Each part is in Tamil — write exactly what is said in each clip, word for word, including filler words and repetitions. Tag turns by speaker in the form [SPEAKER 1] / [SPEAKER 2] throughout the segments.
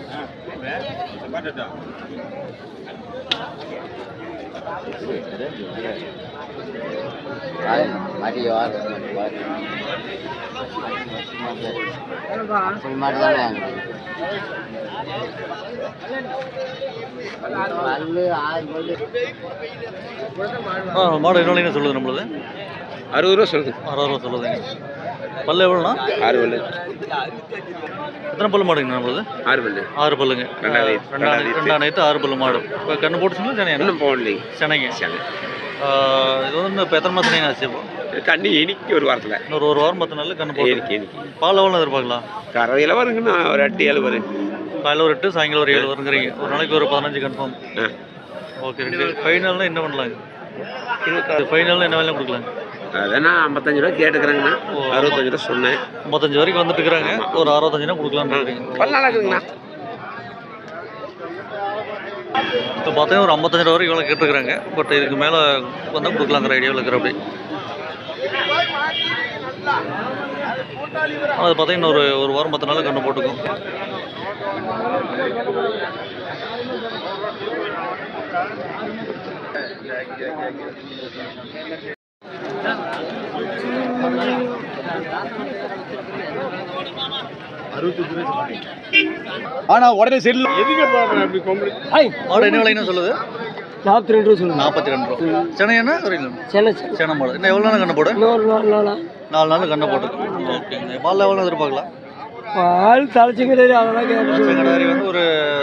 [SPEAKER 1] மாடு என்ன சொல்லுது நம்மளது
[SPEAKER 2] அறுபது ரூபா சொல்லுது.
[SPEAKER 1] அறுபது ரூபா சொல்லுதுங்க. பல்லு எவ்வளோண்ணா?
[SPEAKER 2] ஆறு பல்லு.
[SPEAKER 1] எத்தனை பல்லு மாடுங்க நம்மளது?
[SPEAKER 2] ஆறு பல்லு.
[SPEAKER 1] ஆறு பல்லுங்க. ரெண்டாம் நேற்று ஆறு பல்லு மாடு. இப்போ கண்ணு போட்டுச்சுங்களா சென்னை?
[SPEAKER 2] இன்னும் போடலைங்க.
[SPEAKER 1] சென்னைங்க. சென்னை இது வந்து இப்போ எத்தனை மாதம் ஆச்சு? இப்போ
[SPEAKER 2] கண்ணு எனிக்கு ஒரு வாரத்தில்
[SPEAKER 1] இன்னொரு ஒரு வாரம் பத்து நாள் கண்ணு போட்டு
[SPEAKER 2] எனிக்கு எனிக்கு
[SPEAKER 1] பால் எவ்வளோ எதிர்பார்க்கலாம்?
[SPEAKER 2] கறவையில் வருங்கண்ணா ஒரு எட்டு ஏழு வரும்.
[SPEAKER 1] காலையில் ஒரு எட்டு சாயங்காலம் ஒரு ஏழு வருங்கிறீங்க. ஒரு நாளைக்கு ஒரு பதினஞ்சு கன்ஃபார்ம். ஓகே. ரெண்டு ஃபைனல்னால் என்ன பண்ணலாங்க? இருபத்தாறு ஃபைனல்னால் என்ன வேலை கொடுக்கலாங்க?
[SPEAKER 2] அதனா ஐம்பத்தஞ்சு ரூபா கேட்டுக்கிறேங்கண்ணா. அறுபத்தஞ்சு ரூபா சொன்னேன்.
[SPEAKER 1] ஐம்பத்தஞ்சு வரைக்கும் வந்துட்டு இருக்கிறாங்க. ஒரு அறுபத்தஞ்சுனா கொடுக்கலான்னு இருக்கீங்க.
[SPEAKER 2] பல நாளாக இருக்குங்கண்ணா.
[SPEAKER 1] இப்போ பார்த்தீங்கன்னா ஒரு ஐம்பத்தஞ்சு ரூபா வரைக்கும் இவ்வளோ கேட்டுருக்குறாங்க. பட் இதுக்கு மேலே வந்தால் கொடுக்கலாங்கிற ஐடியாவில் இருக்கிற அப்படி. அது பார்த்தீங்கன்னா ஒரு ஒரு வாரம் பத்து நாள் கண்ணு போட்டுக்கும்.
[SPEAKER 2] ஆனா உடனே செல்லு எதுக்கு மாடு
[SPEAKER 1] என்ன விலைன்னு சொல்லுது?
[SPEAKER 3] நாற்பத்தி ரெண்டு ரூபா சொல்லுங்க.
[SPEAKER 1] நாற்பத்தி ரெண்டு ரூபா. சென்னை என்ன வரீங்களா?
[SPEAKER 3] சென்னை
[SPEAKER 1] சென்னை மாடு. இன்னும் எவ்வளோ நாள் கண்ணை போடு?
[SPEAKER 3] இன்னொரு நாலு நாளா
[SPEAKER 1] நாலு நாள் கண்ணை போட்டுக்கும். ஓகேங்க. பால் எவ்வளோ எதிர்பார்க்கலாம்?
[SPEAKER 3] பால் தலைச்சிங்கடாரி அதெல்லாம்
[SPEAKER 1] தலைச்சிங்கடாரி வந்து ஒரு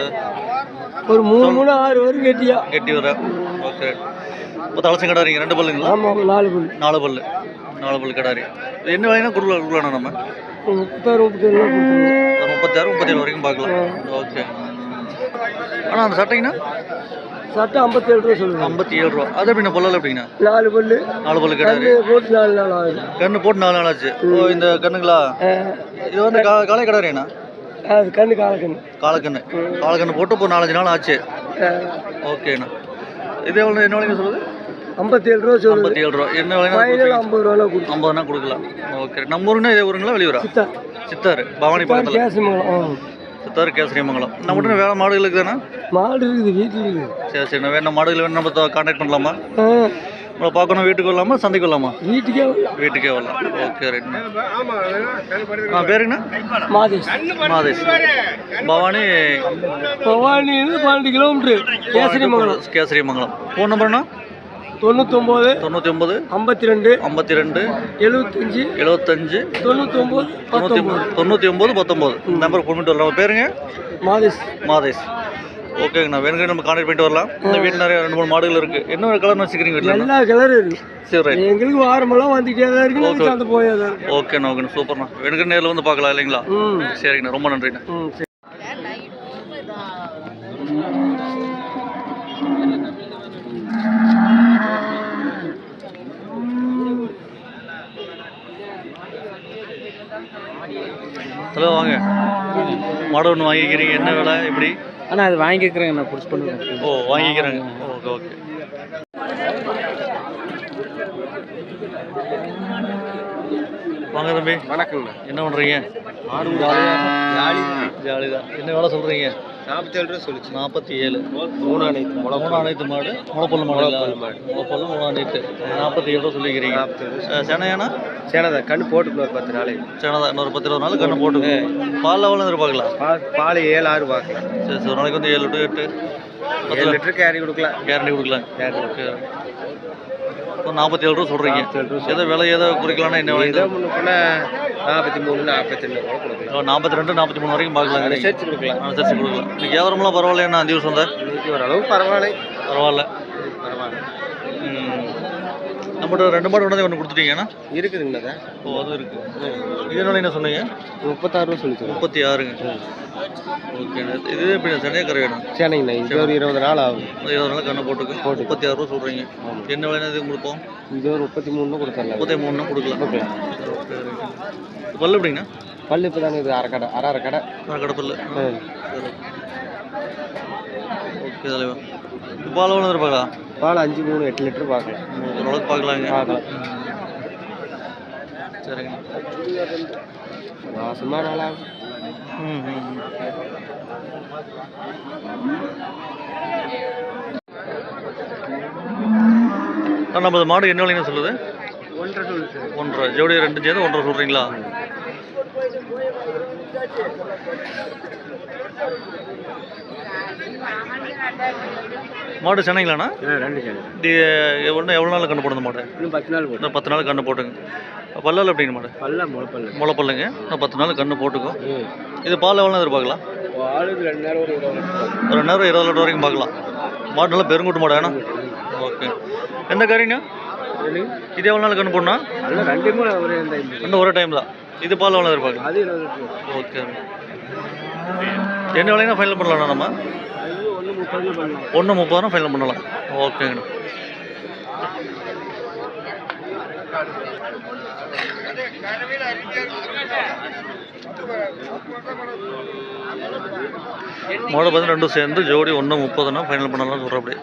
[SPEAKER 3] ஒரு மூணு மூணு ஆறு வரும் கெட்டியா
[SPEAKER 1] கெட்டி வர. ஓகே. இப்போ தலைச்சிங்கடாரிங்க ரெண்டு பல்லுங்களா?
[SPEAKER 3] ஆமாம் நாலு பல்லு.
[SPEAKER 1] நாலு பல்லு நாலு பல்லு கிடாரி. என்ன விலைன்னா கொடுக்கலாம் கொடுக்கலாண்ணா நம்ம?
[SPEAKER 3] முப்பத்தாறு முப்பத்தேழு
[SPEAKER 1] ஒரு முப்பத்தாறு முப்பத்தேழு வரைக்கும் பார்க்கலாம். ஓகே. ஆனால் அந்த சட்டைங்கண்ணா
[SPEAKER 3] சட்டை ஐம்பத்தேழு ரூபா சொல்லுங்கள்.
[SPEAKER 1] ஐம்பத்தி ஏழு ரூபா. அது எப்படிண்ணா பொல்லால் எப்படிங்கண்ணா?
[SPEAKER 3] நாலு பல்லு
[SPEAKER 1] நாலு பல்லு கிடாரி
[SPEAKER 3] போட்டு நாலு நாள் ஆகுது.
[SPEAKER 1] கண்ணு போட்டு நாலு நாள் ஆச்சு. ஓ இந்த கண்ணுங்களா? இது வந்து கா காலை கிடாரிண்ணா?
[SPEAKER 3] அது கண்ணு காலக்கண்ணு.
[SPEAKER 1] காலக்கண்ணு காலக்கண்ணு போட்டு இப்போ நாலஞ்சு நாள் ஆச்சு. ஓகேண்ணா. இது எவ்வளோ என்ன விலைங்க சொல்லுது?
[SPEAKER 3] ஐம்பத்தேழு ரூபா சொல்லுது.
[SPEAKER 1] ஐம்பத்தி ஏழு ரூபா. என்ன விலைங்க?
[SPEAKER 3] ஐம்பது ரூபா கொடுக்கும்.
[SPEAKER 1] ஐம்பதுனா கொடுக்கலாம். ஓகே. நம்ம ஊருன்னா இதே ஊருங்களா வெளியூரா?
[SPEAKER 3] சித்தார்.
[SPEAKER 1] சித்தார் பவானி பக்கத்தில்.
[SPEAKER 3] கேசரிமங்கலம்.
[SPEAKER 1] சித்தார் கேசரிமங்கலம். நம்மகிட்ட வேறு மாடுகளுக்கு தானே?
[SPEAKER 3] மாடு இருக்குது வீட்டில் இருக்குது.
[SPEAKER 1] சரி சரி. வேணும் மாடுகள் வேணும் நம்ம கான்டாக்ட் பண்ணலாமா? நம்மளை பார்க்கணும். வீட்டுக்கு வரலாமா சந்தைக்கு வரலாமா?
[SPEAKER 3] வீட்டுக்கே
[SPEAKER 1] வீட்டுக்கே வரலாம். Okay right. ஆ பேருங்கண்ணா?
[SPEAKER 3] மாதேஷ்.
[SPEAKER 1] மாதேஷ். பவானி
[SPEAKER 3] பவானி பன்னெண்டு கிலோமீட்ரு கேசரிமங்கலம்.
[SPEAKER 1] கேசரிமங்கலம். ஃபோன் நம்பர்ண்ணா?
[SPEAKER 3] தொண்ணூத்தொம்பது
[SPEAKER 1] தொண்ணூற்றி ஒம்பது
[SPEAKER 3] ஐம்பத்தி ரெண்டு
[SPEAKER 1] ஐம்பத்தி ரெண்டு
[SPEAKER 3] எழுபத்தஞ்சி
[SPEAKER 1] எழுபத்தஞ்சு
[SPEAKER 3] தொண்ணூத்தொம்பது
[SPEAKER 1] தொண்ணூற்றி ஒம்பது தொண்ணூற்றி ஒம்பது பத்தொம்பது. இந்த நம்பருக்கு ஃபோன் பண்ணிட்டு வரலாம். பேருங்க?
[SPEAKER 3] மாதேஷ்.
[SPEAKER 1] மாதேஷ். ஓகேங்கண்ணா. வேணுங்க நம்ம கான்டாக்ட் பண்ணிட்டு வரலாம். இந்த வீட்டில் நிறைய ரெண்டு மூணு மாடுகள் இருக்குது. என்ன கலர்னு வச்சுக்கிறீங்க வீட்டில்?
[SPEAKER 3] எல்லா கலரும் இருக்குது.
[SPEAKER 1] சரி ரைட்.
[SPEAKER 3] எங்களுக்கு வாரமெல்லாம் வந்துக்கிட்டே தான் இருக்குது. அந்த போயாதான் இருக்குது.
[SPEAKER 1] ஓகேண்ணா. ஓகேண்ணா. சூப்பர்ண்ணா. வேணுங்க நேரில் வந்து பார்க்கலாம் இல்லைங்களா?
[SPEAKER 3] ம்
[SPEAKER 1] சரிங்கண்ணா. ரொம்ப நன்றிண்ணா.
[SPEAKER 3] ம் சரி.
[SPEAKER 1] ஹலோ வாங்க. மாடு ஒன்று வாங்கிக்கிறீங்க. என்ன விலை எப்படி?
[SPEAKER 3] ஆனால் அது வாங்கிக்கிறேங்க. நான் புடிச்சு பண்ணுவேன்.
[SPEAKER 1] ஓ வாங்கிக்கிறாங்க. Okay okay. வாங்க தம்பி.
[SPEAKER 2] வணக்கங்கண்ணா.
[SPEAKER 1] என்ன பண்ணுறீங்க?
[SPEAKER 2] மாடு ஜாலி
[SPEAKER 1] ஜாலி தான். என்ன வேலை சொல்கிறீங்க?
[SPEAKER 2] நாற்பத்தேழு ரூபா சொல்லிச்சு.
[SPEAKER 1] நாற்பத்தி ஏழு.
[SPEAKER 2] மூணு அனைத்து முளை
[SPEAKER 1] மூணு அனைத்து மாடு முளைப்பல்லு மாடு முளைப்பல்லு மூணு அனைத்து நாற்பத்தி ஏழு ரூபா சொல்லிக்கிறீங்க. சென்னையானா?
[SPEAKER 2] சேனதா கண்ணு போட்டுக்கணும். ஒரு பத்து நாளைக்கு
[SPEAKER 1] சேனதா இன்னொரு பத்து இருபது நாள் கண்ணு போட்டுக்கு. பால் எவ்வளோ எதிர்பார்க்கலாம்?
[SPEAKER 2] பால் ஏழு ஆறு பார்க்கலாம்.
[SPEAKER 1] சரி சரி. ஒரு நாளைக்கு வந்து ஏழு டு எட்டு
[SPEAKER 2] ஏழு லிட்டர் கேரி கொடுக்கலாம்.
[SPEAKER 1] கேரண்டி கொடுக்கலாம். ஓகே. இப்போ நாற்பத்தி ஏழு ரூபா சொல்கிறீங்க. ஏதோ விலை ஏதோ குறிக்கலாம்னா என்ன விலை?
[SPEAKER 2] ஏதோ முன்ன போனால் நாற்பத்தி மூணு நாற்பத்தி ரெண்டு கூட கொடுக்கலாம்.
[SPEAKER 1] நாற்பத்தி ரெண்டு நாற்பத்தி மூணு வரைக்கும் பார்க்கலாம்.
[SPEAKER 2] அனுசரிச்சு கொடுக்கலாம்.
[SPEAKER 1] அனுசரிச்சு கொடுக்கலாம். இன்னைக்கு வியாபாரம்லாம் பரவாயில்லையா? அஞ்சு வருஷம் தான்.
[SPEAKER 2] இன்னைக்கு ஓரளவு பரவாயில்லை.
[SPEAKER 1] பரவாயில்ல.
[SPEAKER 2] பரவாயில்ல.
[SPEAKER 1] ம். நம்மகிட்ட ரெண்டு மாடு கொண்டு ஒன்று கொடுத்துட்டீங்கண்ணா?
[SPEAKER 2] இருக்குதுங்கண்ணா. ஓ
[SPEAKER 1] அதுவும் இருக்குது. இதனால என்ன சொன்னீங்க?
[SPEAKER 2] முப்பத்தாறு ரூபா சொல்லிச்சு.
[SPEAKER 1] முப்பத்தி ஆறுங்க. ஓகேண்ணா. இது எப்படி சென்னையாக கரையாண்ணா?
[SPEAKER 2] சேனைங்கண்ணா. இது ஒரு இருபது நாள் ஆகும்.
[SPEAKER 1] இருபது நாள் கண்ணை போட்டுக்கு போட்டு முப்பத்தி ஆறு ரூபா சொல்கிறீங்க. என்ன விலைனா இது கொடுப்போம்?
[SPEAKER 2] இது ஒரு முப்பத்தி மூணு கொடுத்தரலாம்.
[SPEAKER 1] முப்பத்தி மூணுனா கொடுக்கலாம். கொடுக்கலாம். பல்லு எப்படிங்கண்ணா?
[SPEAKER 2] பல்லு இப்போ தானே இது அரை கடை அரை அரை கடை
[SPEAKER 1] அரை கடை பல்லு. ஓகே தலைவா. பால் எவ்வளோ இருப்பாங்களா?
[SPEAKER 2] பால் அஞ்சு மூணு எட்டு லிட்டர் பார்க்கலாம்.
[SPEAKER 1] ஓரளவுக்கு பார்க்கலாங்க.
[SPEAKER 2] பார்க்கலாம்.
[SPEAKER 1] சரிங்க.
[SPEAKER 2] மாசமாக நாளாகும்.
[SPEAKER 1] ம் ம் நம்ம மாடு என்ன விலைன்னு சொல்லுது?
[SPEAKER 3] ஒன்றரை சொல்லு சார்.
[SPEAKER 1] ஒன்றரை ஜோடி ரெண்டு சேர்ந்து ஒன்றரை சொல்கிறீங்களா? மாடு சென்னைங்களாண்ணா?
[SPEAKER 3] ரெண்டு சார்.
[SPEAKER 1] இது ஒன்று எவ்வளோ நாள் கண்ணு போடுது மாடு?
[SPEAKER 3] இன்னும் பத்து நாள் போட்டு.
[SPEAKER 1] இன்னும் பத்து நாள் கண்ணு போட்டுங்க. பல்லால் எப்படிங்க மாடு?
[SPEAKER 3] பல்ல முளைப்பல்ல.
[SPEAKER 1] முளைப்பல்லுங்க. இன்னும் பத்து நாள் கண்ணு போட்டுக்கும். இது பால் எவ்வளோ எதிர்பார்க்கலாம்?
[SPEAKER 3] ஆளுக்கு ரெண்டு நேரம் ஒரு இருபது லிட்டர்.
[SPEAKER 1] ரெண்டு நேரம் இருபது லிட்டர் வரைக்கும் பார்க்கலாம். மாடு நல்லா பெருங்குட்டு மாடு வேணும். ஓகே. எந்த காரிங்க? இது எவ்வளோ நாள் கண்ணு போடணும்?
[SPEAKER 3] அதெல்லாம் ரெண்டுமே ஒரே டைம்.
[SPEAKER 1] இன்னும் ஒரே டைம் தான். இது பால் எவ்வளோ எதிர்பார்க்கலாம்?
[SPEAKER 3] அது இருபது லிட்டர்.
[SPEAKER 1] ஓகே. என்ன விலைனா ஃபைனல் பண்ணலாம்ண்ணா நம்ம?
[SPEAKER 3] அது ஒன்று முப்பது பண்ணலாம்.
[SPEAKER 1] ஒன்று முப்பதுனா ஃபைனல் பண்ணலாம். ஓகேங்கண்ணா. மாடு பார்த்து ரெண்டும் சேர்ந்து ஜோடி ஒன்று முப்பதுனா ஃபைனல் பண்ணலாம் சொல்கிறேன். அப்படி